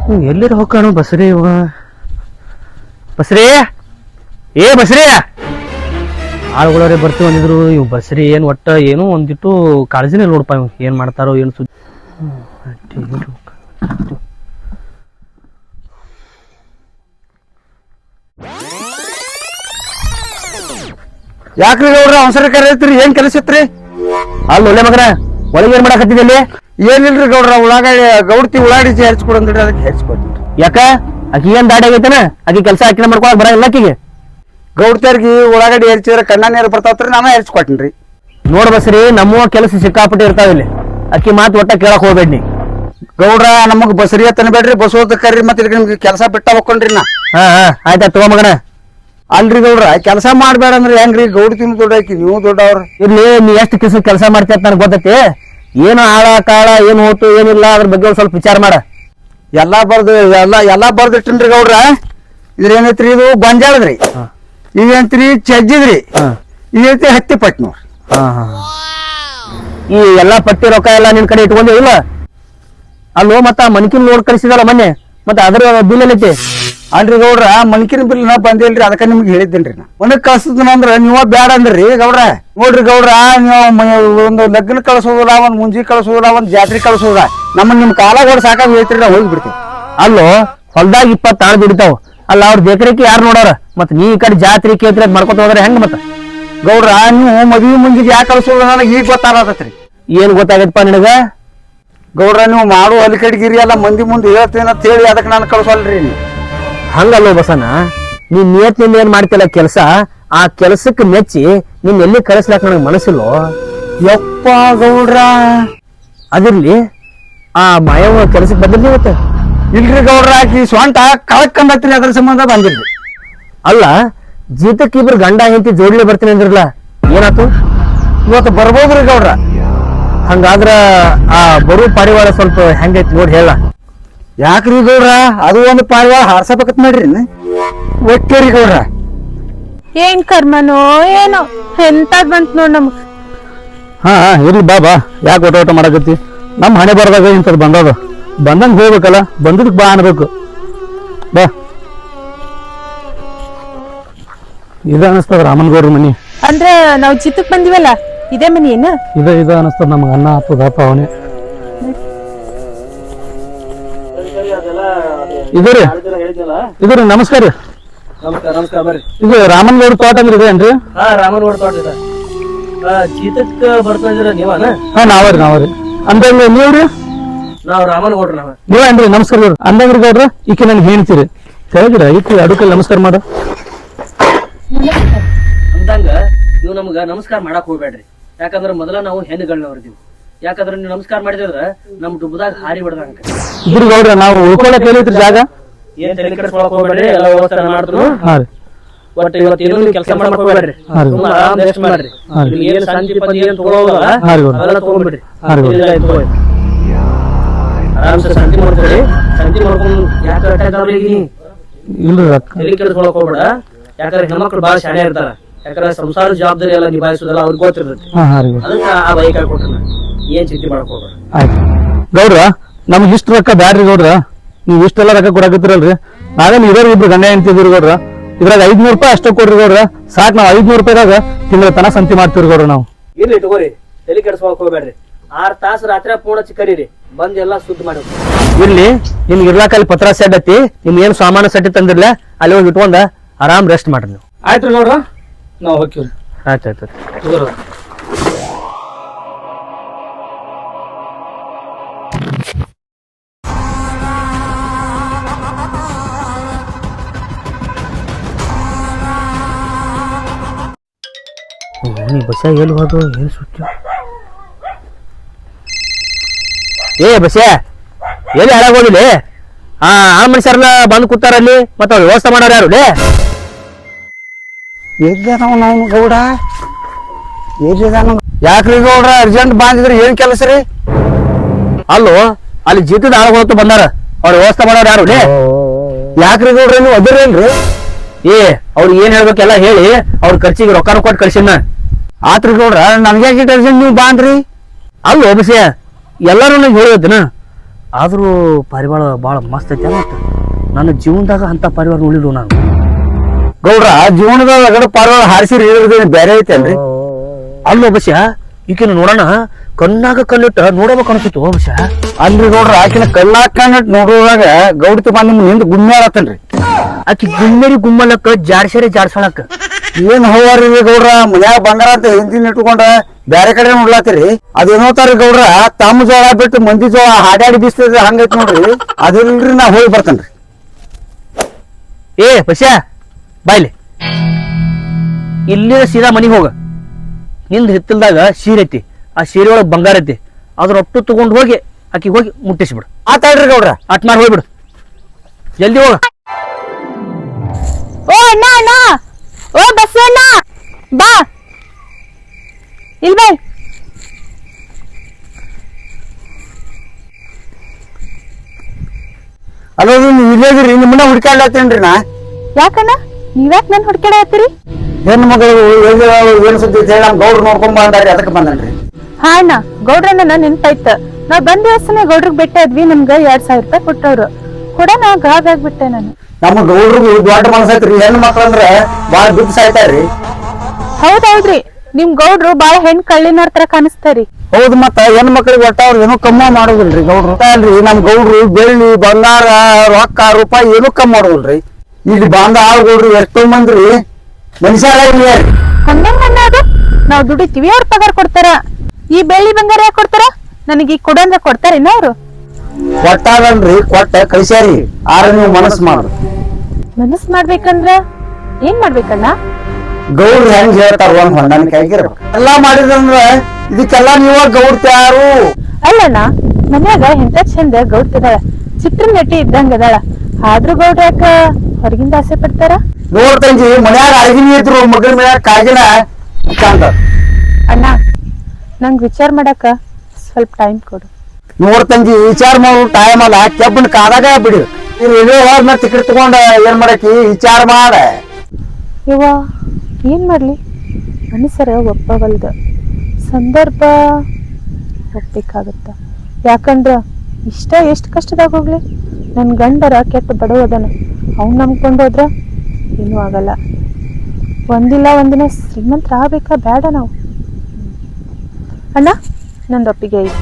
ಎಲ್ಲಿರ ಹೋಗ್ಕಾನು ಬಸ್ರಿ ಇವ ಬಸ್ರಿ ಏ ಬಸ್ರಿ ಆಳುಗಳವ್ರೆ ಬರ್ತೀವಿ ಅಂದಿದ್ರು ಇವ್ ಬಸ್ರಿ ಏನ್ ಒಟ್ಟ ಏನು ಒಂದಿಟ್ಟು ಕಾಳಜಿನೇ ನೋಡಪ್ಪ ಇವ್ ಏನ್ ಮಾಡ್ತಾರೋ ಏನು ಸುದ್ದಿ ಯಾಕ್ರಿ ಗೌಡ್ರ ಅವಸರ ಕರೀತ್ರಿ ಏನ್ ಕೆಲಸ ಇತ್ರಿ? ಅಲ್ಲಿ ಒಳ್ಳೆ ಮಗನ ಒಳಗೆ ಏನ್ ಮಾಡಕತ್ತಿದ್ದಲ್ಲಿ? ಏನಿಲ್ರಿ ಗೌಡ್ರ ಗೌಡ್ತಿ ಉಳ್ಳಾಗಡ್ಡಿ ಹೆಚ್ಕೊಡಂದ್ರಿ ಅದಕ್ಕೆ ಹೆಚ್ಕೊಡ್ರಿ. ಯಾಕ ಆಕಿ ಏನ್ ದಾಡಿ ಆಗೈತನ ಆಕಿ ಕೆಲಸ ಆಕಿನ ಮಾಡ್ಕೊಳಕ್ ಬರಂಗಿಲ್ಲ ಆಕಿಗೆ. ಗೌಡ್ತಿಯರ್ಗಿ ಉಳ್ಳಾಗಡ್ಡಿ ಹೆಚ್ಚಿದ್ರೆ ಕಣ್ಣ ನೀರು ಬರ್ತಾವ್ರಿ, ನಾನು ಹೆಚ್ಕೊಟ್ಟಿನ್ರಿ. ನೋಡ್ ಬಸ್ರಿ ನಮ್ಮ ಕೆಲಸ ಸಿಕ್ಕಾಪಟ್ಟೆ ಇರ್ತಾವ ಇಲ್ಲಿ, ಅಕ್ಕಿ ಮಾತು ಒಟ್ಟ ಕೇಳಕ್ ಹೋಗ್ಬೇಡ್ನಿ. ಗೌಡ್ರ ನಮಗ್ ಬಸರಿ ತನಬೇಡ್ರಿ, ಬಸೋದ ಕರ್ರಿ ಮತ್ತೆ ನಿಮ್ಗೆ ಕೆಲಸ ಬಿಟ್ಟ ಹೋಗ್ಕೊಂಡ್ರಿ ನಾ. ಹಾ ಆಯ್ತಾ ತಗೋ ಮಗನ. ಅಲ್ರಿ ಗೌಡ್ರ ಕೆಲಸ ಮಾಡ್ಬೇಡ ಅಂದ್ರೆ ಹೆಂಗ್ರಿ? ಗೌಡ್ತಿನ ದೊಡ್ಡಾಕಿ ನೀವು ದೊಡ್ಡವ್ರ. ಇರ್ಲಿ ನೀ ಎಷ್ಟು ಕೆಲಸ ಮಾಡ್ತಿ ಅಂತ ನನಗೆ ಗೊತ್ತೈತಿ. ಏನು ಆಳ ಕಾಳ ಏನು ಹೋತು ಏನಿಲ್ಲ ಅದ್ರ ಬಗ್ಗೆ ಒಂದ್ ಸ್ವಲ್ಪ ವಿಚಾರ ಮಾಡ. ಎಲ್ಲಾ ಬರ್ದಿಟ್ಟಿನ್ರಿ ಗೌಡ್ರ. ಇದ್ರೇನೈತ್ರಿ? ಇದು ಗೊಂಜಾಳದ್ರಿ, ಇದೇಂತ್ರಿ ಚಜ್ಜಿದ್ರಿ, ಇದೈತಿ ಹತ್ತಿ ಪಟ್ಟಿ ನೋಡ್ರಿ. ಈ ಎಲ್ಲಾ ಪಟ್ಟಿ ರೊಕ್ಕ ಎಲ್ಲಾ ನಿನ್ ಕಡೆ ಇಟ್ಕೊಂಡಿ ಇಲ್ಲ? ಅಲ್ಲೋ ಮತ್ತ ಮನ್ಕಿನ್ ನೋಡ್ ಕಳಿಸಿದಲ್ಲ ಮೊನ್ನೆ, ಮತ್ತೆ ಅದ್ರ ಬಿಲ್ ಎಲ್ಲೈತಿ? ಅಲ್ರಿ ಗೌಡ್ರ ಮನ್ಕಿನ ಬಿಲ್ ನಾ ಬಂದಿಲ್ರಿ, ಅದಕ್ಕ ನಿಮ್ಗೆ ಹೇಳಿದ್ದೇನ್ರಿ. ನಾ ಮನಕ್ ಕಳ್ಸದನಂದ್ರ ನೀವ ಬ್ಯಾಡ ಅಂದ್ರಿ ಗೌಡ್ರ. ನೋಡ್ರಿ ಗೌಡ್ರ, ನೀವು ಒಂದು ಲಗ್ನ ಕಳ್ಸೋದಿಲ್ಲ, ಒಂದ್ ಮುಂಜಿ ಕಳ್ಸೋದಿಲ್ಲ, ಒಂದ್ ಜಾತ್ರೆ ಕಳ್ಸೋದ, ನಿಮ್ ಕಾಲಾಗ ಸಾಕಾಗಿ ಹೋಯ್ತ್ರಿ, ನಾವು ಹೋಗಿ ಬಿಡ್ತೀವಿ. ಅಲ್ಲೋ ಹೊಲ್ದಾಗ 20 ಆಳು ದುಡಿತಾವ, ಅಲ್ಲ ಅವ್ರ ಬೇಕರಿಕೆ ಯಾರು ನೋಡೋರ? ಮತ್ ನೀ ಈ ಕಡೆ ಜಾತ್ರೆ ಕೇತ್ರಿ ಮಾಡ್ಕೊತ ಹೋದ್ರೆ ಹೆಂಗ? ಮತ್ತ ಗೌಡ್ರ ನೀವು ಮದ್ವಿ ಮುಂಜಿಗೆ ಯಾಕೆ ಕಳ್ಸೋದ ನನಗೆ ಈಗ ಗೊತ್ತಾಗತ್ರಿ. ಏನ್ ಗೊತ್ತಾಗತ್ತಪ್ಪ ನಿನಗ? ಗೌಡ್ರ ನೀವು ಮಾಡೋ ಅಲಿಕಡ್ಗಿರಿ ಎಲ್ಲ ಮಂದಿ ಮುಂದೆ ಹೇಳ್ತೇನೆ ಅಂತ ಹೇಳಿ ಅದಕ್ಕೆ ನಾನು ಕಳ್ಸಲ್ರಿ. ನೀವು ಹಂಗಲ್ಲೋ ಬಸನ, ನೀನ್ ನಿಯತ್ನಿಂದ ಏನ್ ಮಾಡ್ತಿಲ್ಲ ಕೆಲಸ, ಆ ಕೆಲಸಕ್ಕೆ ಮೆಚ್ಚಿ ನೀನ್ ಎಲ್ಲಿ ಕಳಿಸ್ಲಾಕ ನನಗೆ ಮನಸ್ಸಿಲ್ಲೋ. ಯಪ್ಪ ಗೌಡ್ರ, ಅದಿರ್ಲಿ, ಆ ಮಾಯವ ಕೆಲಸಕ್ಕೆ ಬಂದಿರ್ಲಿ ಇವತ್ತು? ಇಲ್ರಿ ಗೌಡ್ರ, ಆಕಿ ಸ್ವಂಟ ಕಳಕ್ಕಂಬತ್ರಿ, ಅದ್ರ ಸಂಬಂಧ ಬಂದಿರ್ಲಿ. ಅಲ್ಲ ಜೀತಕ್ಕೆ ಇಬ್ರು ಗಂಡ ಹೆಂಡತಿ ಜೋಡ್ಲಿ ಬರ್ತೀನಿ ಅಂದ್ರಲ್ಲ, ಏನಾತು? ಇವತ್ತು ಬರ್ಬೋದ್ರಿ ಗೌಡ್ರ. ಹಂಗಾದ್ರ ಆ ಬರು ಪಾರಿವಾಳ ಸ್ವಲ್ಪ ಹೆಂಗೈತಿ ನೋಡಿ ಹೇಳ. ಯಾಕ್ರಿ ಗೌಡ್ರ, ಅದು ಒಂದು ಪಾರಿವಾಳ ಹಾರ್ಸಬೇಕತ್ ಮಾಡ್ರಿ ಒಟ್ಟೇರಿ ಗೌಡ್ರ. ಏನ್ ಕರ್ಮನೋ ಏನೋ ಎಂತದ್ ಬಂತ್ ನೋಡ್ ನಮಗ್. ಹಾ ಇರ್ಲಿ ಬಾ ಯಾಕೆ ಓಟ ಮಾಡಕತ್ತಿ? ನಮ್ ಹಣೆ ಬರ್ದಾಗ ಇಂಥದ್ ಬಂದದ, ಬಂದಂಗ ಹೋಗ್ಬೇಕಲ್ಲ, ಬಂದದಕ್ ಬಾ ಅನ್ಬೇಕು. ಬಾ. ಇದ ಅನಸ್ತದ ರಾಮನ್ಗೌಡ್ರ ಮನಿ. ಅಂದ್ರೆ ನಾವ್ ಚಿತ್ತಕ್ ಬಂದಿವಲ್ಲ, ಇದೇ ಮನಿ ಏನ? ಇದ ಅನಸ್ತದ ನಮಗ. ಅನ್ನ ಹಾಕುದಪ್ಪ ಅವನೇ. ಇದ್ರಿ ನಮಸ್ಕಾರ ರೀ. ನಮಸ್ಕಾರ ಬರ್ರಿ. ಇದು ರಾಮನ್ಗೌಡ ತೋಟ ಅಂದ್ರೆ ಇದೆ ಏನ್ರಿ? ರಾಮನ್ಗೌಡ ತೋಟ ಇದೆ. ಚೀತಕ್ ಬರ್ತಾ ಇದ್ರ ನೀವನ? ನಾವ್ರಿ. ಅಂದಂಗ ನೀವ್ರಿ? ನಾವ್ ರಾಮನ್ಗೌಡ್ರ. ನೀವೇನ್ರಿ? ನಮಸ್ಕಾರ ಅಂದಂಗ್ರಿ ಗೌಡ್ರ, ಈಕೆ ನನ್ಗೆ ಹೇಳ್ತೀರಿ ತೆಳಗಿರ ಈಕೆ ಅಡುಕಲ್ಲಿ ನಮಸ್ಕಾರ ಮಾಡ ಅಂದಂಗ ನೀವು ನಮ್ಗ ನಮಸ್ಕಾರ ಮಾಡಕ್ ಹೋಗ್ಬೇಡ್ರಿ. ಯಾಕಂದ್ರ ಮೊದಲ ನಾವು ಹೆಣ್ಣುಗಳನ್ನವ್ರದೀವಿ. ಯಾಕಂದ್ರ ನೀವು ನಮಸ್ಕಾರ ಮಾಡಿದ್ರ ನಮ್ ಡುಬ್ಬದಾಗ ಹಾರಿ ಬಿಡದಂಗ. ಇದ್ರಿ ಗೌಡ್ರ, ನಾವು ಉಳ್ಕೊಳಕ್ ಹೇಳಿದ್ರಿ ಜಾಗ. ಏನ್ ತಲೆ ಕೆಡಿಸ್ಕೊಳಕ್ ಹೋಗ್ಬೇಡ್ರಿ, ಎಲ್ಲ ವ್ಯವಸ್ಥೆ ಮಾಡ್ರು. ಒಟ್ಟು ಇವತ್ತು ಏನೋ ನೀವು ಕೆಲಸ ಮಾಡಕ್ ಹೋಗ್ಬೇಡ್ರಿ, ಆರಾಮ್ ರೆಸ್ಟ್ ಮಾಡ್ರಿ. ಏನ್ ಶಾಂತಿ ಪದಿ ಏನ್ ತಗೊಳೋಲ್ಲ ಅದೆಲ್ಲ ತಗೊಂಡ್ಬಿಡ್ರಿ. ಆರಾಮ್ಸೆ ಶಾಂತಿ ಮಾಡ್ಕೊಡಿ. ಶಾಂತಿ ಮಾಡ್ಕೊಂಡು ಯಾಕೆ ತಲೆ ಕೆಡಿಸ್ಕೊಳಕ್ ಹೋಗ್ಬೇಡ. ಯಾಕಂದ್ರೆ ಹೆಣ್ಮಕ್ಳು ಬಾಳ ಶಾಣೆ ಇರ್ತಾರ. ಯಾಕಂದ್ರೆ ಸಂಸಾರ ಜವಾಬ್ದಾರಿ ಎಲ್ಲ ನಿಭಾಯಿಸೋದಲ್ಲ ಅವ್ರಿಗೆ ಗೊತ್ತಿರ್ತೈತಿ. ಅದಕ್ಕೆ ಆ ಬೈಕ್ ಕೊಟ್ಟ ಏನ್ ಚಿಂತೆ ಮಾಡಕ್ ಹೋಗ್ಬೇಡ. ಆಯ್ತು ಗೌಡ್ರ, ನಮ್ಗೆ ಇಷ್ಟ ರೊಕ್ಕ ಬ್ಯಾಡ್ರಿ ಗೌಡ್ರ. ನೀವ್ ಇಷ್ಟೆಲ್ಲ ರೊಕ್ಕ ಕೊಡಕತ್ತಿರಲ್ರಿ, ನಾವೇನ್ ಇರೋರು ಇಬ್ರು ಗಂಡ ಹೆಂಡ್ತಿದ್ರಿ ಗೌಡ್ರ. ಇದ್ರಾಗ 500 ರೂಪಾಯಿ ಅಷ್ಟೇ ಕೊಡ್ರಿ ಗೌಡ್ರ, ಸಾಕ್. ನಾವ್ 500 ರೂಪಾಯಿದಾಗ ತಿಂಗಳ ತನ ಸಂತಿ ಮಾಡ್ತೀವಿ ಗೌಡ್ರ ನಾವು. ಇರ್ಲಿ ತಗೋರಿ, ತಲೆ ಕೆಡಿಸ್ಕೊಳಕ್ ಹೋಗ್ಬೇಡ್ರಿ. 6 ತಾಸು ರಾತ್ರಿ ಪೂರ್ಣ ಚಿಕ್ಕರೀರಿ, ಬಂದ್ ಎಲ್ಲಾ ಸುದ್ದಿ ಮಾಡಿ. ಇರ್ಲಿ, ನಿಮ್ಗೆ ಇರ್ಲಾಕ ಅಲ್ಲಿ ಪತ್ರ ಸೆಡ್ ಐತಿ, ನಿಮ್ ಏನ್ ಸಾಮಾನು ಸೆಟ್ ತಂದಿರ್ಲ ಅಲ್ಲಿ ಹೋಗಿ ಇಟ್ಕೊಂಡ ಆರಾಮ್ ರೆಸ್ಟ್ ಮಾಡ್ರಿ ನೀವು. ಆಯ್ತು ಗೌಡ್ರ, ನಾವ್ ಹೋಗ್ತೀವ್ರಿ. ಆಯ್ತಾಯ್ತು. ನೀ ಬಸ ಎಲ್ಲಿ ಹೋದು? ಏನ್ ಸುಟ್ಟ? ಏ ಬಸ ಎಲ್ಲಿ ಹಾಳಾಗೋದಿಲ್ಲ? ಆ ಮನುಷ್ಯರೆಲ್ಲ ಬಂದ್ ಕೂತಾರಲ್ಲಿ, ಮತ್ತ ವ್ಯವಸ್ಥೆ ಮಾಡೋರು ಯಾರು? ನಾವು ಗೌಡ ಯಾಕ್ರಿ ಗೌಡ್ರ ಅರ್ಜೆಂಟ್ ಬಂದಿದ್ರಿ? ಏನ್ ಕೆಲಸ ರೀ? ಅಲ್ಲೋ ಅಲ್ಲಿ ಜೀತದ ಆಳುಗಳು ಬಂದಾರ, ಅವ್ರ ವ್ಯವಸ್ಥೆ ಮಾಡೋರು ಯಾರು? ಯಾಕ್ರಿ ಗೌಡ್ರ ನೀವು ಅದಿರೇನ್ರಿ? ಏ ಅವ್ರಿಗೆ ಏನ್ ಹೇಳ್ಬೇಕೆಲ್ಲ ಹೇಳಿ ಅವ್ರ ಖರ್ಚಿಗೆ ರೊಕ್ಕನ ಕೊಟ್ಟು ಕಳ್ಸಿನ. ಆತ್ರಿ ಗೌಡ್ರ, ನನ್ಗೆ ಅರ್ಜೆಂಟ್ ನೀವು ಬಾಂದ್ರಿ? ಅಲ್ಲೋ ಬಸ್ಯ ಎಲ್ಲಾರು ನಂಗೆ ಹೇಳಿದನ ಆದ್ರೂ ಪರಿವಾರ ಭಾಳ ಮಸ್ತ್ ಐತಿ ಅಲ್ಲ ನನ್ನ ಜೀವನದಾಗ ಅಂತ ಪರಿವಾರ ನೋಡಿದ್ವು ನಾನು. ಗೌಡ್ರ ಜೀವನದಾಗ ಅಗಡ ಪಾರ್ವಾಳ ಹಾರಿಸಿ ಬೇರೆ ಐತೇನ್ರಿ? ಅಲ್ಲೋ ಬಸ್ಯ ಈಕಿನ ನೋಡೋಣ ಕಣ್ಣಾಗ ಕಣ್ಣಿಟ್ಟ ನೋಡಬೇಕು ಅನ್ಸಿತ್ತು ಬಸ್ಯ. ಅಲ್ರಿ ಗೌಡ್ರ ಆಕಿನ ಕಣ್ಣಾಕಂಡ್ ನೋಡುವಾಗ ಗೌಡ್ತಿ ಬಂದ್ ನಿಮ್ ಹಿಂದ್ ಗುಮ್ಮೆ ಆಡತ್ತನ್ರಿ. ಆಕಿ ಗುಮ್ಮೇರಿ ಗುಮ್ಮಲಕ್ಕ ಜಾಡ್ಸೇರಿ ಜಾಡ್ಸಳಕ್ಕ. ಏನ್ ಹೌವಾರಿ ಗೌಡ್ರ ಮನ್ಯಾಗ ಬಂಗಾರ ಅಂತ ಹಿಂದಿನ ಇಟ್ಕೊಂಡ ಬ್ಯಾರೆ ಕಡೆ ನೋಡ್ಲಾತಿರಿ. ಅದೇನೋತಾರಿ ಗೌಡ್ರ ತಮ್ಮ ಜೋಳ ಬಿಟ್ಟು ಮಂದಿ ಜೋಳ ಹಾಡಾಡಿ ಬೀಸ್ತದ ಹಂಗೈತಿ ನೋಡ್ರಿ. ಅದಿಲ್ರಿ ನಾ ಹೋಗಿ ಬರ್ತೇನ್ರಿ. ಏ ಬಸ್ಯ ಬಾಯ್ಲಿ ಇಲ್ಲೇ ಸೀದಾ ಮನಿಗೆ ಹೋಗ. ನಿಂದ ಹಿತ್ತಲ್ದಾಗ ಸೀರೆ ಐತಿ, ಆ ಸೀರೆ ಒಳಗ್ ಬಂಗಾರ ಐತಿ, ಅದ್ರ ಒಟ್ಟು ತಗೊಂಡ್ ಹೋಗಿ ಆಕಿ ಹೋಗಿ ಮುಟ್ಟಿಸ್ಬಿಡು. ಆತಾಡ್ರಿ ಗೌಡ್ರ. ಅಟ್ ಮಾಡಿ ಹೋಗ್ಬಿಡು, ಜಲ್ದಿ ಹೋಗ. ಓ ಅಣ್ಣ ಅಣ್ಣ, ಓ ಬಸವಣ್ಣ ಬಾ ಇಲ್ ಬಾ. ಅಲ್ಲೋ ನೀವು ಇಲ್ಲೇದ್ರಿ ನಿಮ್ಮನ್ನ ಹುಡ್ಕಾಡ್ಲಾತೇನ್ರಿ ನಾ. ಯಾಕಣ್ಣ ನೀವ್ಯಾಕ್ ನನ್ ಹುಡ್ಕಾಡ ಹತ್ತೀರಿ? ಹೆಣ್ಣು ಮಗಳು ಏನ್ ಸುದ್ದಿ ಹೇಳಿ ನಮ್ ಗೌಡ್ರು ನೋಡ್ಕೊಂಡ್ ಬಂದಾರಿ, ಅದಕ್ಕೆ ಬಂದನ್ರಿ. ಹಾ ಅಣ್ಣ, ಗೌಡ್ರನ್ನ ನೆನ್ಪಾಯ್ತ. ನಾವ್ ಬಂದ ದಿವಸನೇ ಗೌಡ್ರಿಗೆ ಬೆಟ್ಟ ಇದ್ವಿ, ನಮ್ಗ 2000 ರೂಪಾಯಿ ಕೊಟ್ಟವ್ರು ಕೂಡ ನಾ ಗಾಗ್ ಆಗ್ಬಿಟ್ಟೆ ನಾನು. ನಮ್ಮ ಗೌಡ್ರಿಗೆ ದೊಡ್ಡ ಮನಸ್ಸೈತ್ರಿ, ಹೆಣ್ಣು ಮಕ್ಳಂದ್ರ ಬಾಳ ದುಡ್ಡು ಸಾಯ್ತಾರ್ರಿ. ಹೌದೌದ್ರಿ, ನಿಮ್ ಗೌಡ್ರು ಬಾಳ ಹೆಣ್ ಕಳ್ಳಿನವ್ರ ತರ ಕಾಣಿಸ್ತಾರಿ. ಹೌದು, ಮತ್ತ ಹೆಣ್ಣು ಮಕ್ಳಿಗೆ ಒಟ್ಟ ಅವ್ರು ಏನೂ ಕಮ್ಮಿ ಮಾಡೋದಿಲ್ರಿ ಗೌಡ್ರು. ಅಲ್ರಿ ನಮ್ ಗೌಡ್ರು ಬೆಳ್ಳಿ ಬಂಗಾರ ರೊಕ್ಕ ರೂಪಾಯಿ ಏನೂ ಕಮ್ಮಿ ಮಾಡೋದಿಲ್ರಿ. ಇಲ್ಲಿ ಬಂದ ಆಳ್ಗೌಡ್ರು ಎಷ್ಟೋ ಮಂದ್ರಿ ಮನುಷ್ಯರ ಹಂಗಂಗ ಅನ್ನೋದು ನಾವ್ ದುಡಿತೀವಿ, ಅವ್ರ ಪಗಾರ ಕೊಡ್ತಾರ. ಈ ಬೆಳ್ಳಿ ಬಂಗಾರ ಯಾಕೆ ಕೊಡ್ತಾರ? ನನಗೆ ಈ ಕೊಡಂದ್ರ ಕೊಡ್ತಾರೇನ ಅವ್ರು? ಕೊಟ್ಟಾಗಲ್ರಿ, ಕೊಟ್ಟ ಕಳಿಸ್ಯಾರಿ. ಆರ ನೀವು ಮನಸ್ಸು ಮಾಡ್ರಿ. ಮನಸ್ ಮಾಡ್ಬೇಕಂದ್ರ ಏನ್ ಮಾಡ್ಬೇಕಣ್ಣ? ಗೌಡ್ರು ಹೆಂಗ್ ಹೇಳ್ತಾರ ಒಂದ್ ಹೊಂದಾಣಿಕೆ ಆಗಿರ್ಬೇಕು. ಎಲ್ಲಾ ಮಾಡಿದಂದ್ರ ಇದಕ್ಕೆಲ್ಲಾ ನೀವ ಗೌಡ್ತ್ಯಾರು? ಅಲ್ಲಣ್ಣ, ಮನ್ಯಾಗ ಎಂತ ಚಂದ ಗೌಡ್ತಿದಾಳ, ಚಿತ್ರ ನಟಿ ಇದ್ದಂಗ ಅದಾಳ. ಆದ್ರೂ ಗೌಡ್ರ ಯಾಕ ಹೊರಗಿಂದ ಆಸೆ ಪಡ್ತಾರ? ನೋಡ್ತಂಗಿ ಮನ್ಯಾಗ ಅಳಗಿನಿ ಇದ್ರು ಮಗಳ ಮನ್ಯಾಗ ಕಾಗಿನ ಚಂದ. ಅಣ್ಣ, ನಂಗ್ ವಿಚಾರ ಮಾಡಕ ಸ್ವಲ್ಪ ಟೈಮ್ ಕೊಡು. ನೋಡ್ತಂಗಿ ವಿಚಾರ ಮಾಡೋ ಟೈಮ್ ಅಲ್ಲ, ಕೆಬ್ಬನ ಕಾದಾಗ ಬಿಡಿ. ಇಲ್ಲೇ ಹೋದ್ನ ಟಿಕೆಟ್ ತಗೊಂಡ ಏನ್ ಮಾಡಕಿ ವಿಚಾರ ಮಾಡ. ಇವ ಏನ್ ಮಾಡ್ಲಿ, ಮನುಷ್ಯರ ಒಪ್ಪವಲ್ದ, ಸಂದರ್ಭ ಒಪ್ಬೇಕಾಗತ್ತ. ಯಾಕಂದ್ರ ಇಷ್ಟ ಎಷ್ಟ್ ಕಷ್ಟದಾಗ ಹೋಗ್ಲಿ, ನನ್ ಗಂಡರ ಕೆಟ್ಟ ಬಡವದನ, ಅವ್ನ್ ನಂಬ್ಕೊಂಡು ಹೋದ್ರ ಏನೂ ಆಗಲ್ಲ. ಒಂದಿಲ್ಲ ಒಂದಿನ ಶ್ರೀಮಂತರ ಆಗ್ಬೇಕಾ ಬೇಡ ನಾವು? ಅಣ್ಣ, ನಂದೊಪ್ಪಿಗೆ ಐತಿ.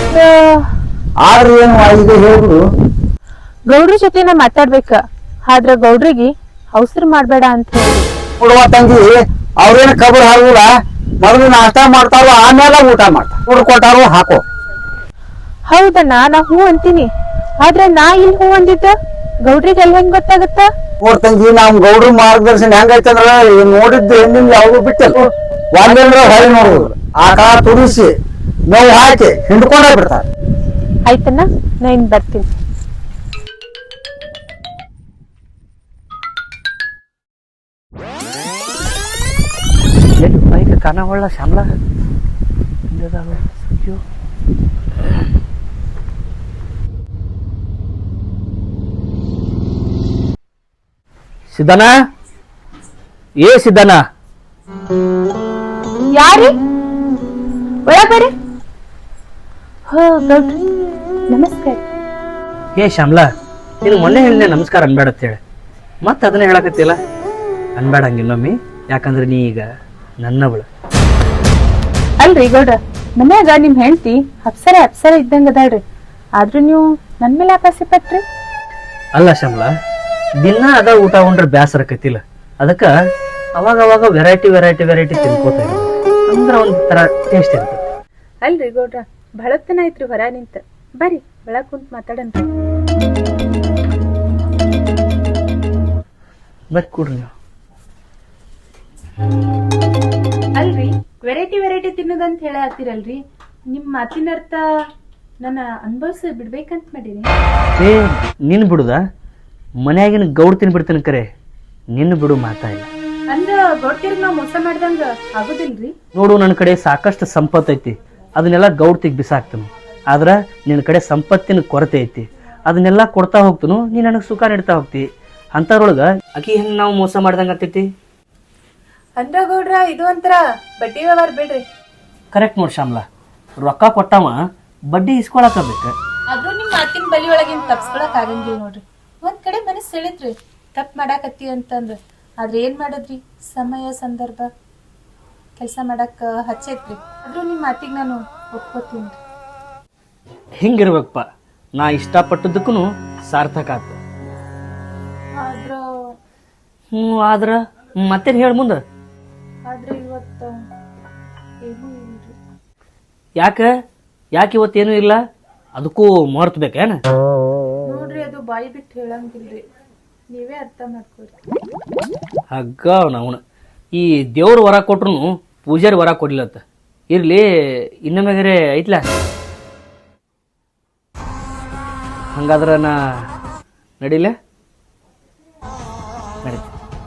ಆದ್ರೆ ಏನು ಈಗ ಹೇಳುದು, ಗೌಡ್ರ ಜೊತೆ ನಾ ಮಾತಾಡ್ಬೇಕ. ಆದ್ರ ಗೌಡ್ರಿಗೆ ಅವಸರ ಮಾಡ್ಬೇಡ ಅಂತ ಹೇಳಿ. ನೋಡುವ ತಂಗಿ, ಅವ್ರೇನು ಕಬರ್ ಹಾಕುಲ್ಲ. ಮೊದಲು ನಾಷ್ಟ ಮಾಡ್ತಾರೋ, ಆಮೇಲೆ ಊಟ ಮಾಡ್ತಾರ. ಊಟ ಕೊಟ್ಟಾರು ಹಾಕೋ. ಹೌದಣ್ಣ, ನಾ ಹೂ ಅಂತೀನಿ. ಆದ್ರೆ ನಾ ಇಲ್ಲಿ ಹೂ ಅಂದಿದ್ದ ಗೌಡ್ರಿಗೆ ಅಲ್ಲಿ ಹೆಂಗ್ ಗೊತ್ತಾಗತ್ತ? ನೋಡ್ತಂಗಿ, ನಮ್ ಗೌಡ್ರ ಮಾರ್ಗದರ್ಶನ ಹೆಂಗೈತಂದ್ರ ನೋಡಿದ್ದು ಹೆಣ್ಣಿನ ಯಾವ್ದು ಬಿಟ್ಟಲ್ಲ. ಒಂದಂದ್ರ ಹೊಳೆ ನೋಡುದು, ಆಕಳ ತುರಿಸಿ ನೋವು ಹಾಕಿ ಹಿಂಡ್ಕೊಂಡ ಬಿಡ್ತಾರ. ಆಯ್ತಣ್ಣ, ನಾ ಇನ್ ಬರ್ತೀನಿ. ಬೈಕ್ ಕಾನ ಹೊಳ್ಳ ಶ್ಯಾಮ್ಲ ಸಿದ್ದನ, ಏ ಸಿದ್ದನ. ಯಾರಿ ಒಳಗ್ ಬರ್ರಿ. ಹೋ ಗೌಡ್ರಿ, ನಮಸ್ಕಾರ. ಏ ಶ್ಯಾಮ್ಲಾ, ನೀನು ಮೊನ್ನೆ ಹೇಳಿದೆ ನಮಸ್ಕಾರ ಅನ್ಬೇಡ ಅಂತ ಹೇಳಿ, ಮತ್ತೆ ಅದನ್ನ ಹೇಳಕತ್ತಿಲ್ಲ. ಅನ್ಬೇಡ ಹಂಗಿನ್ನೊಮ್ಮೆ, ಯಾಕಂದ್ರೆ ನೀ ಈಗ ನನ್ನವಳು. ಅಲ್ರಿ ಗೌಡ್ರ, ಮನ್ಯಾಗ ನಿಮ್ ಹೆಂಡತಿ ಅಪ್ಸರ ಇದ್ದಂಗ ಅದಾಳ್ರಿ. ಆದ್ರೂ ನೀವು ನನ್ ಮೇಲೆ ಆಕಾಸಿ ಪಟ್ರಿ. ಅಲ್ಲ ಶ್ಯಾಮ್ಲಾ, ದಿನ ಅದ ಊಟ ಉಂಡ್ರೆ ಬ್ಯಾಸರ ಆಕತಿಲ್ಲ. ಅದಕ್ಕ ಅವಾಗ ಅವಾಗ ವೆರೈಟಿ ತಿನ್ಕೋತ ಅಂದ್ರ ಒಂದ್ ತರ ಟೇಸ್ಟ್ ಇರ್ತದೆ. ಅಲ್ರಿ ಗೌಡ್ರ, ಬಹಳತ್ತನ ಆಯ್ತ್ರಿ ಹೊರ ನಿಂತ. ಬರ್ರಿ ಒಳಗ್ ಕುಂತ್ ಮಾತಾಡಂತ. ಬರ್ರಿ ಕೂಡ್ರಿ ನೀವು. ಅಲ್ರಿ, ವೆರೈಟಿ ತಿನ್ನೋದಂತ ಹೇಳತ್ತೀರಲ್ರಿ, ನಿಮ್ ಮಾತಿನ ಅರ್ಥ ನನ್ನ ಅನುಭವಿಸಿ ಬಿಡ್ಬೇಕಂತ ಮಾಡೀನಿ. ಏ ನಿನ್ ಬಿಡುದ, ಮನ್ಯಾಗಿನ ಗೌಡ್ ತಿನ್ಬಿಡ್ತೀನಿ ಕರೆ, ನಿನ್ನ ಬಿಡು ಮಾತಾ ಇಲ್ಲ. ಅಂದ್ರ ಗೌಡ್ತಿರ್ಗ್ ನಾವ್ ಮೋಸ ಮಾಡ್ದಂಗ ಆಗುದಿಲ್ರಿ? ನೋಡು, ನನ್ನ ಕಡೆ ಸಾಕಷ್ಟು ಸಂಪತ್ತು ಐತಿ, ಅದನ್ನೆಲ್ಲ ಗೌಡ್ತಿಗ್ ಬಿಸಾಕ್ತನು. ಆದ್ರ ನಿನ್ನ ಕಡೆ ಸಂಪತ್ತಿನ ಕೊರತೆ ಐತಿ, ಅದನ್ನೆಲ್ಲ ಕೊಡ್ತಾ ಹೋಗ್ತನು, ನೀ ನನಗ್ ಸುಖ ನೀಡ್ತಾ ಹೋಗ್ತಿ. ಅಂತವ್ರೊಳಗ ಆಕಿ ಹೆಂಗ್ ನಾವು ಮೋಸ ಮಾಡ್ದಂಗ ಆಗ್ತೈತಿ? ಅಂದ್ರ ಗೌಡ್ರ, ಇದು ಒಂಥರ ಬಡ್ಡಿ ವ್ಯವಹಾರ ಬಿಡ್ರಿ. ಕರೆಕ್ಟ್ ನೋಡ್ ಶ್ಯಾಮ್ಲಾ, ರೊಕ್ಕ ಕೊಟ್ಟವ ಬಡ್ಡಿ ಇಸ್ಕೊಳಕಬೇಕ. ಆದ್ರೂ ನಿಮ್ ಮಾತಿನ ಬಲಿ ಒಳಗಿನ ತಪ್ಸ್ಕೊಳಕ್ ಆಗಂಗಿಲ್ಲ ನೋಡ್ರಿ. ಒಂದ್ ಕಡೆ ಮನಸ್ಸು ಸೆಳಿತ್ರಿ ತಪ್ಪು ಮಾಡಾಕತ್ತಿ ಅಂತಂದ್ರ, ಆದ್ರೆ ಏನ್ ಮಾಡದ್ರಿ, ಸಮಯ ಸಂದರ್ಭ ಕೆಲಸ ಮಾಡಕ್ ಹಚ್ಚೈತ್ರಿ. ಆದ್ರೂ ನಿಮ್ ಮಾತಿಗೆ ನಾನು ಒಪ್ಕೋತೀನಿ. ಹಿಂಗಿರ್ಬೇಕಪ್ಪ, ನಾ ಇಷ್ಟಪಟ್ಟದಕ್ಕೂ ಸಾರ್ಥಕ ಆತು. ಆದ್ರ ಆದ್ರ ಮತ್ತೇನ್ ಹೇಳ ಮುಂದ? ಆದ್ರೆ ಇವತ್ತ ಏನೂ ಇಲ್ರಿ. ಯಾಕೆ ಇವತ್ತೇನು ಇಲ್ಲ? ಅದಕ್ಕೂ ಮರ್ತ್ ಬೇಕೇನ? ನೋಡ್ರಿ, ಅದು ಬಾಯಿ ಬಿಟ್ಟು ಹೇಳಂಗಿಲ್ರಿ, ನೀವೇ ಅರ್ಥ ಮಾಡ್ಕೊರಿ. ಹಗ್ಗ ಅವನ ಈ ದೇವ್ರ ವರ ಕೊಟ್ರು ಪೂಜಾರಿ ವರ ಕೊಡ್ಲಿಲ್ಲತ್ತ. ಇರ್ಲಿ, ಇನ್ನೊಮ್ಮೆಗರೆ ಐತ್ಲ. ಹಂಗಾದ್ರ ನಾ ನಡಿಲೆ ನಡೀತಿ.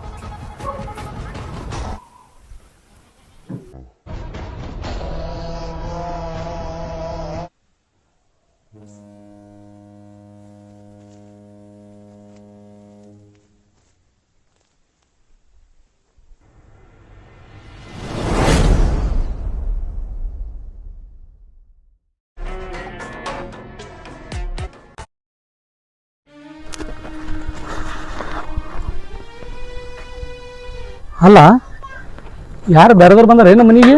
ಅಲ್ಲ, ಯಾರು ಬೇರೆದವ್ರು ಬಂದಾರ ನಮ್ಮ ಮನೆಗೆ?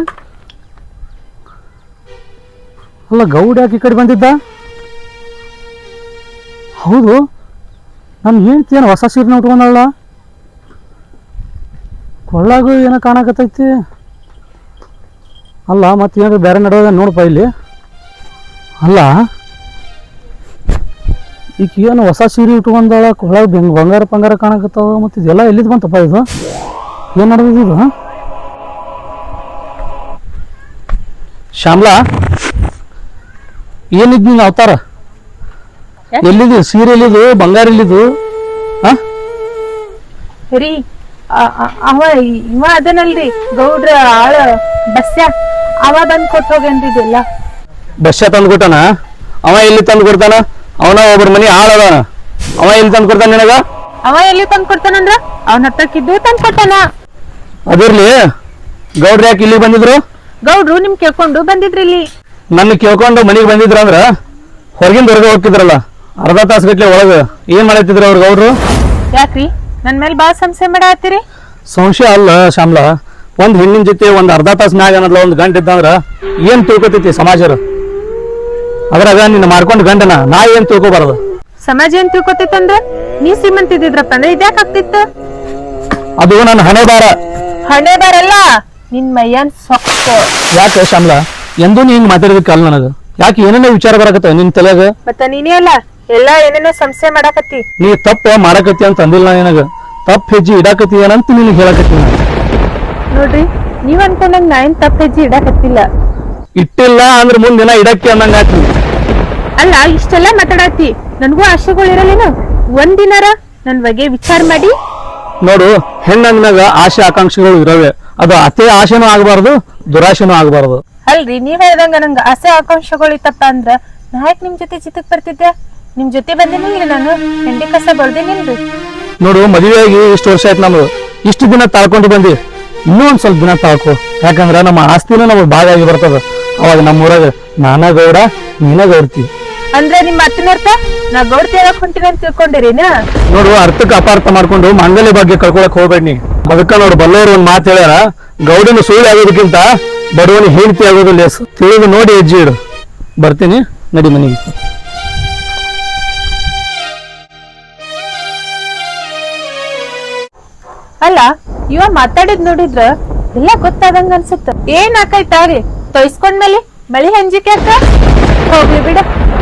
ಅಲ್ಲ, ಗೌಡ ಯಾಕೆ ಈ ಕಡೆ ಬಂದಿದ್ದ? ಹೌದು, ನನ್ನ ಹೆಂಡ್ತಿ ಏನು ಹೊಸ ಸೀರೆನ ಉಟ್ಕೊಂಡಲ್ಲ, ಕೊಳ್ಳಾಗೂ ಏನೋ ಕಾಣಕತ್ತೈತಿ. ಅಲ್ಲ, ಮತ್ತೇನಾದ್ರು ಬೇರೆ ನಡೆಯೋದ ನೋಡಪ್ಪ ಇಲ್ಲಿ. ಅಲ್ಲ, ಈಗ ಏನು ಹೊಸ ಸೀರೆ ಉಟ್ಕೊಂಡಾಳ, ಕೊಳ್ಳಾಗ ಬಂಗಾರ ಪಂಗಾರ ಕಾಣಕತ್ತಾವ, ಮತ್ತು ಇದೆಲ್ಲ ಎಲ್ಲಿದ್ದು ಬಂತಪ್ಪ? ಇದು ಏನ್ ನಡೆದಿದ್ದು? ಶ್ಯಾಮ್ಲಾ, ಏನಿದ್ ನೀನು ಅವತಾರ? ಎಲ್ಲಿದ್ದು ಸೀರೆ? ಎಲ್ಲಿದ್ದು ಬಂಗಾರ? ಎಲ್ಲಿದ್ದು? ರೀ, ಇವ ಅದನಲ್ರಿ ಗೌಡ್ರ ಆಳ ಬಸ್ಸ, ಅವ ಬಂದ್ ಕೊಟ್ಟು ಹೋಗೇನ್ರಿ ಇದೆಲ್ಲ. ಬಸ್ಸ ತಂದು ಕೊಟ್ಟಾನ? ಅವ ಎಲ್ಲಿ ತಂದು ಕೊಡ್ತಾನ? ಅವನ ಒಬ್ಬರ ಮನಿ ಆಳದಾನ, ಅವ ಎಲ್ಲಿ ತಂದು ಕೊಡ್ತಾನ ನಿನಗ? ಅವ ಎಲ್ಲಿ ತಂದ್ ಕೊಡ್ತಾನಂದ್ರ ಅವನ ಹತ್ತಕ್ಕಿದ್ದು ತಂದ್ ಕೊಟ್ಟಾನ. ಅದಿರ್ಲಿ, ಗೌಡ್ರ ಯಾಕೆ ಇಲ್ಲಿ ಬಂದಿದ್ರು? ಗೌಡ್ರು ನಿಮ್ ಕೇಳ್ಕೊಂಡು ಬಂದಿದ್ರಿ ಇಲ್ಲಿ. ನನ್ನ ಕೇಳ್ಕೊಂಡು ಮನೆಗೆ ಬಂದಿದ್ರ ಅಂದ್ರ ಹೊರಗಿಂದ ಹೊರಗೆ ಹೋಗ್ತಿದ್ರಲ್ಲ, ಅರ್ಧ ತಾಸು ಗಟ್ಲೆ ಒಳಗ ಏನ್ ಮಾಡತ್ತಿದ್ರ ಅವ್ರ ಗೌಡ್ರು? ಯಾಕ್ರಿ ನನ್ ಮೇಲೆ ಬಾಳ ಸಂಶಯ ಮಾಡತ್ತೀರಿ? ಸಂಶಯ ಅಲ್ಲ ಶ್ಯಾಮ್ಲಾ, ಒಂದ್ ಹೆಣ್ಣಿನ ಜೊತೆ ಒಂದ್ ಅರ್ಧ ತಾಸು ಮ್ಯಾಗ ಅನ್ನೋದ್ಲ ಒಂದ್ ಗಂಟೆ ಇದ್ದಂದ್ರ ಏನ್ ತಿಳ್ಕೊತೈತಿ ಸಮಾಜರ? ಅದ್ರಾಗ ನಿನ್ನ ಮಾರ್ಕೊಂಡ್ ಗಂಡನ ನಾ ಏನ್ ತಿಳ್ಕೊಬಾರದು? ಸಮಾಜ ಏನ್ ತಿಳ್ಕೊತೈತಂದ್ರ ನೀ ಶ್ರೀಮಂತ ಇದ್ದಿದ್ರಪ್ಪ ಅಂದ್ರೆ ಇದ್ಯಾಕ್ ಆಗ್ತಿತ್ತು? ಅದು ನನ್ನ ಹಣೆ ಬಾರ. ಹಣೆ ಬರಲ್ಲ, ನಿನ್ ಮೈಯನ್ ಸೊಕ್ಕ. ಯಾಕೆ ಶ್ಯಾಮ್ಲಾ, ಎಂದೂ ನೀ ಹಿಂಗ್ ಮಾತಾಡೋದಕ್ಕಲ್ಲ ನನಗ. ಯಾಕೆ ಏನೇನೋ ವಿಚಾರ ಬರಕತ್ತ ನಿನ್ ತಲೆಗ? ಮತ್ತ ನೀನೇ ಅಲ್ಲ ಎಲ್ಲಾ ಏನೇನೋ ಸಂಶಯ ಮಾಡಾಕತ್ತಿ. ನೀ ತಪ್ಪ ಮಾಡಕತ್ತಿ ಅಂತ ಅಂದಿಲ್ಲ ನಿನಗ, ತಪ್ಪ ಹೆಜ್ಜೆ ಇಡಾಕತ್ತಿ ಏನಂತ ನಿನಗೆ ಹೇಳಕತ್ತಿ. ನೋಡ್ರಿ, ನೀವ್ ಅನ್ಕೊಂಡಂಗ್ ನಾ ಏನ್ ತಪ್ಪ ಹೆಜ್ಜೆ ಇಡಾಕತ್ತಿಲ್ಲ. ಇಟ್ಟಿಲ್ಲ ಅಂದ್ರ ಮುಂದಿನ ಇಡಕ್ಕೆ ಅನ್ನಂಗ ಆತಿ. ಅಲ್ಲ, ಇಷ್ಟೆಲ್ಲಾ ಮಾತಾಡತ್ತಿ, ನನ್ಗೂ ಆಶೆಗಳು ಇರಲ್ಲೇನು? ಒಂದಿನಾರ ನನ್ ಬಗ್ಗೆ ವಿಚಾರ ಮಾಡಿ. ನೋಡು, ಹೆಣ್ಣಂದ್ಮ್ಯಾಗ ಆಸೆ ಆಕಾಂಕ್ಷೆಗಳು ಇರವೆ, ಅದು ಅತಿ ಆಸೆನೂ ಆಗಬಾರ್ದು, ದುರಾಶೆನೂ ಆಗಬಾರ್ದು. ಅಲ್ರಿ, ನೀವ್ ಹೇಳ್ದಂಗ ನಂಗ ಆಸೆ ಆಕಾಂಕ್ಷೆಗಳು ಇತ್ತಪ್ಪ ಅಂದ್ರ ನಾ ಯಾಕೆ ನಿಮ್ ಜೊತೆ ಚಿತ್ತಕ್ ಬರ್ತಿದ್ದೆ? ನಿಮ್ ಜೊತೆ ಬಂದೇನಿಲ್ರಿ, ನಾನು ಹೆಂಡಿ ಕಸ ಬಳ್ದೇನಿಲ್ರಿ. ನೋಡು, ಮದುವೆಯಾಗಿ ಇಷ್ಟು ವರ್ಷ ಆಯ್ತು ನಮ್ದು, ಇಷ್ಟು ದಿನ ತಾಳ್ಕೊಂಡು ಬಂದಿ, ಇನ್ನೂ ಒಂದ್ ಸ್ವಲ್ಪ ದಿನ ತಾಳ್ಕೊ. ಯಾಕಂದ್ರ ನಮ್ಮ ಆಸ್ತಿನೂ ನಮಗ್ ಭಾಗ ಆಗಿ ಬರ್ತದ. ಅವಾಗ ನಮ್ಮೂರಾಗ ನಾನ ಗೌಡ, ನೀನ ಗೌಡ್ತಿ. ಅಂದ್ರೆ ನಿಮ್ ಮಾತಿನ ಅರ್ಥ ನಾ ಗೌಡ್ತಿ ಹೇಳಕ್ ಹೊಂಟಿನ ಅಂತ ತಿಳ್ಕೊಂಡಿರೇನ? ನೋಡು, ಅರ್ಥಕ್ಕೆ ಅಪಾರ್ಥ ಮಾಡ್ಕೊಂಡು ಮಾಂಗಲ್ಯ ಬಗ್ಗೆ ಕಳ್ಕೊಳಕ್ ಹೋಗ್ಬೇಡಿ. ಅದಕ್ಕ ನೋಡು, ಬಲ್ಲವರು ಒಂದ್ ಮಾತು ಹೇಳ್ಯಾರ, ಗೌಡನ ಸುಳ್ಳು ಆಗೋದಕ್ಕಿಂತ ಬಡವನಿ ಹೆಂಡತಿ ಆಗೋದು ಲೇಸ್. ತಿಳಿದು ನೋಡಿ ಹೆಜ್ಜೆ ಇಡು. ಬರ್ತೀನಿ, ನಡಿ ಮನೆಗೆ. ಅಲ್ಲ, ಇವ ಮಾತಾಡಿದ್ ನೋಡಿದ್ರ ಎಲ್ಲ ಗೊತ್ತಾದಂಗ ಅನ್ಸುತ್ತ. ಏನ್ ಆಕೈತಾರಿ ತೊಯ್ಸ್ಕೊಂಡ್ಮೇಲೆ ಮಳಿ ಹಂಜಿಕೆ ಅಕ್ಕ ಹೋಗ್ಲಿ ಬಿಡ.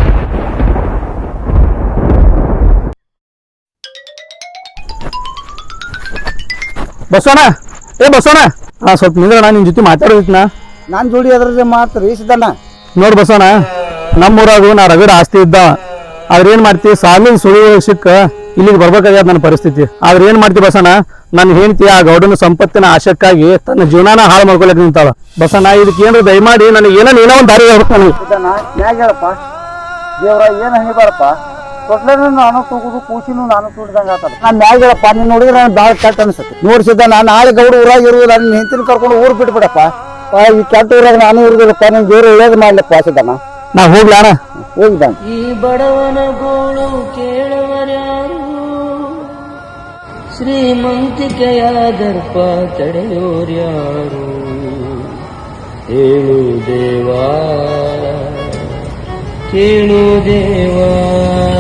ಬಸವಣ್ಣ, ಏ ಬಸವಣ್ಣ, ಸ್ವಲ್ಪ ನಿಂದ್ರ, ನಿನ್ ಜೊತೆ ಮಾತಾಡೋದಿತ್ನಾ? ನಾನ್ ಜೋಡಿ ಅದ್ರ ಮಾಡ್ತೀರಿ ಸಿದ್ದಣ್ಣ. ನೋಡ್ ಬಸವಣ್ಣ, ನಮ್ಮೂರಾಗು ನಾ ರಗಡ ಆಸ್ತಿ ಇದ್ದಾವ. ಆದ್ರೆ ಏನ್ ಮಾಡ್ತಿ, ಸಾಲಿನ ಸುಳಿ ಸಿಕ್ಕ ಇಲ್ಲಿಗೆ ಬರ್ಬೇಕಾಗ್ಯದ ನನ್ನ ಪರಿಸ್ಥಿತಿ. ಆದ್ರೆ ಏನ್ ಮಾಡ್ತಿ ಬಸಣ್ಣ, ನನ್ನ ಹೆಂಡತಿ ಆ ಗೌಡನ ಸಂಪತ್ತಿನ ಆಶಕ್ಕಾಗಿ ತನ್ನ ಜೀವನಾನ ಹಾಳು ಮಾಡ್ಕೊಳಕ್ ನಿಂತಾಳ. ಬಸಣ್ಣ, ಇದಕ್ಕೆ ಏನ್ರ ದಯಮಾಡಿ ನನಗೆ ಏನೋ ಒಂದು ದಾರಿ ಹೇಳ್ಬೇಕು. ಸಿದ್ದಣ್ಣ, ಮ್ಯಾಗ ಹೇಳಪ್ಪ, ದೇವ್ರ ಏನ್ ಹಂಗಿಬಾರಪ್ಪ, ತೊಟ್ಲೇನು ನಾನು ತೂಗುದು, ಕೂಸಿನೂ ನಾನು ತೂಡಿದಂಗ ಆತಲ್ಲ. ನಾನ್ ಮ್ಯಾಗ ಹೇಳಪ್ಪ, ನೀನ್ ನೋಡಿದ್ರೆ ನಾನು ಭಾಳ ಕೆಟ್ಟ ಅನ್ಸುತ್ತೆ. ನೋಡಿ ಸಿದ್ದಣ್ಣ, ನಾಳೆ ಗೌಡ ಊರಾಗ ಇರುವುದಿಲ್ಲ, ನಿನ್ನ ಹೆಂಡತಿನ ಕರ್ಕೊಂಡು ಊರ್ ಬಿಟ್ಬಿಡಪ್ಪ. ಈ ಕೆಟ್ಟ ಊರಾಗ ನಾನು ಇರುದಿಲ್ಲಪ್ಪ, ನಿನ್ ದೇವ್ರು ಒಳ್ಳೇದು ಮಾಡ್ಲಪ್ಪ ಸಿದ್ದಣ್ಣ. ನಾ ಹೋಗ್ಲಾ ಅಣ್ಣ? ಹೋಗ್ದಾನ ಈ ಬಡವನ ಗೋಳು ಕೇಳುವರ್ಯಾರು ಶ್ರೀಮಂತಿಕೆಯ ದರ್ಪ ತಡೆಯೋರ್ಯಾರು ಹೇಳು ದೇವಾ ಕೇಳು ದೇವಾ